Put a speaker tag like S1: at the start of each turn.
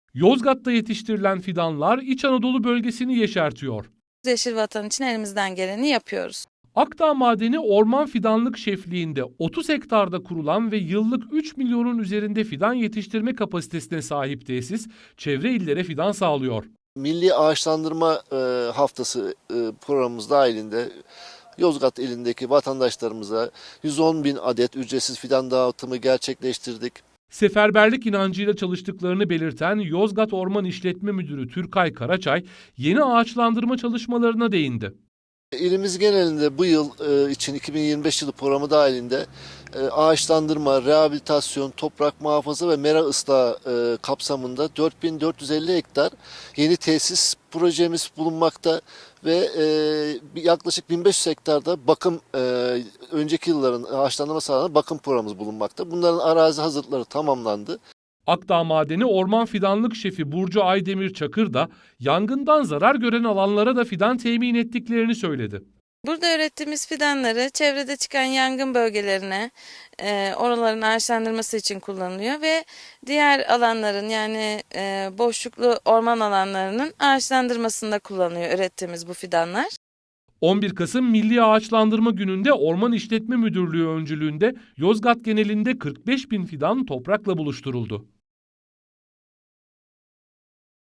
S1: Yozgat'ta yetiştirilen fidanlar İç Anadolu bölgesini yeşertiyor.
S2: Yeşil Vatan için elimizden geleni yapıyoruz.
S1: Akdağ Madeni Orman Fidanlık Şefliği'nde 30 hektarda kurulan ve yıllık 3 milyonun üzerinde fidan yetiştirme kapasitesine sahip tesis, çevre illere fidan sağlıyor.
S3: Milli Ağaçlandırma Haftası programımız dahilinde Yozgat ilindeki vatandaşlarımıza 110 bin adet ücretsiz fidan dağıtımı gerçekleştirdik.
S1: Seferberlik inancıyla çalıştıklarını belirten Yozgat Orman İşletme Müdürü Türkay Karaçay, yeni ağaçlandırma çalışmalarına değindi.
S3: İlimiz genelinde bu yıl için 2025 yılı programı dahilinde ağaçlandırma, rehabilitasyon, toprak muhafaza ve mera ıslahı kapsamında 4450 hektar yeni tesis projemiz bulunmakta ve yaklaşık 1500 hektarda bakım, önceki yılların ağaçlandırma sahalarında bakım programımız bulunmakta. Bunların arazi hazırlıkları tamamlandı.
S1: Akdağ Madeni Orman Fidanlık Şefi Burcu Aydemir Çakır da yangından zarar gören alanlara da fidan temin ettiklerini söyledi.
S2: Burada ürettiğimiz fidanları çevrede çıkan yangın bölgelerine, oraların ağaçlandırması için kullanılıyor ve diğer alanların yani boşluklu orman alanlarının ağaçlandırmasında kullanılıyor ürettiğimiz bu fidanlar.
S1: 11 Kasım Milli Ağaçlandırma Günü'nde Orman İşletme Müdürlüğü öncülüğünde Yozgat genelinde 45 bin fidan toprakla buluşturuldu.